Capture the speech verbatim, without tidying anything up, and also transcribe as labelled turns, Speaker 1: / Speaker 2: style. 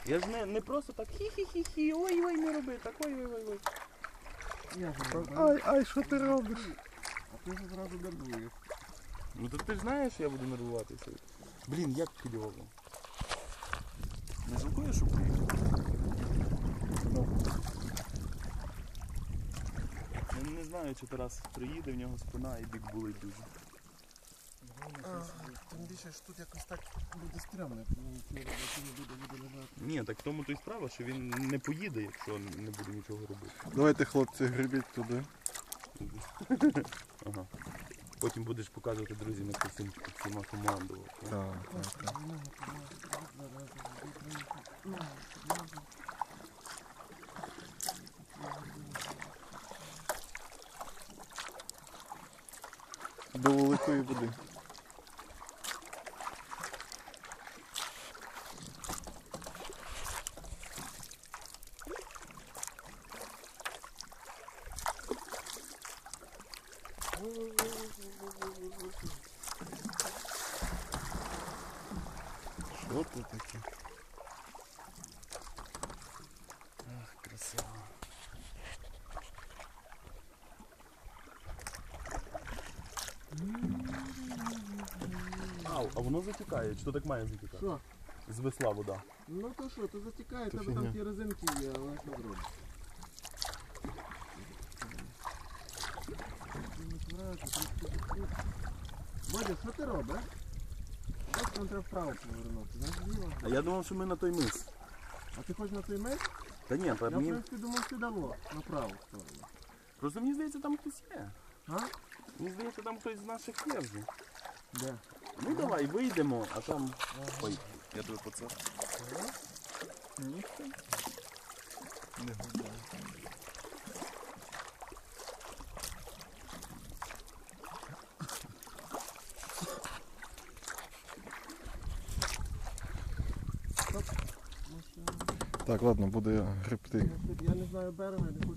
Speaker 1: Я ж не, не просто так хі-хі-хі-хі, ой-ой, не роби так, ой-ой-ой.
Speaker 2: Ай, ай, що ти робиш?
Speaker 3: А ти ж одразу нервуєш.
Speaker 1: Ну то ти ж знаєш, що я буду нервуватися. Блін, як кльово. Не жалкуєш, що приїхав? Я не знаю, чи Тарас приїде, в нього спина і бік болить дуже.
Speaker 3: Тим більше ж тут якось так буде стрімно, не буде буде лежати.
Speaker 1: Ні, так в тому то й справа, що він не поїде, якщо не буде нічого робити.
Speaker 2: Давайте, хлопці, гребіть туди.
Speaker 1: Ага. Потім будеш показувати друзям, як ти всім всіма командував.
Speaker 2: Так, так, так. До великої води. Що це таке?
Speaker 1: Ах, красиво. Ау, а воно затікає, чи то так має затікати?
Speaker 3: Що?
Speaker 1: З весла вода.
Speaker 3: Ну то що, то затікає,
Speaker 2: То
Speaker 3: тебе
Speaker 2: фігня.
Speaker 3: там ті резинки є, але що зробиш? Бодя, що ти робиш? Ось нам треба вправо повернути, знаєш, зліва.
Speaker 1: А я думав, що ми на той мис.
Speaker 3: А ти хочеш на той меч?
Speaker 1: Та ні, та
Speaker 3: Я в
Speaker 1: мені...
Speaker 3: принципі думав, ти давно, на праву сторону.
Speaker 1: Просто мені здається, там хтось є.
Speaker 3: А?
Speaker 1: Мені здається, там хтось з наших є вже.
Speaker 3: Де?
Speaker 1: Ну давай, вийдемо, а там... Ой, я тебе по це.
Speaker 2: Ніхто не гуляє. Так, ладно, буду я гребти.
Speaker 3: Я не знаю берега, не хочу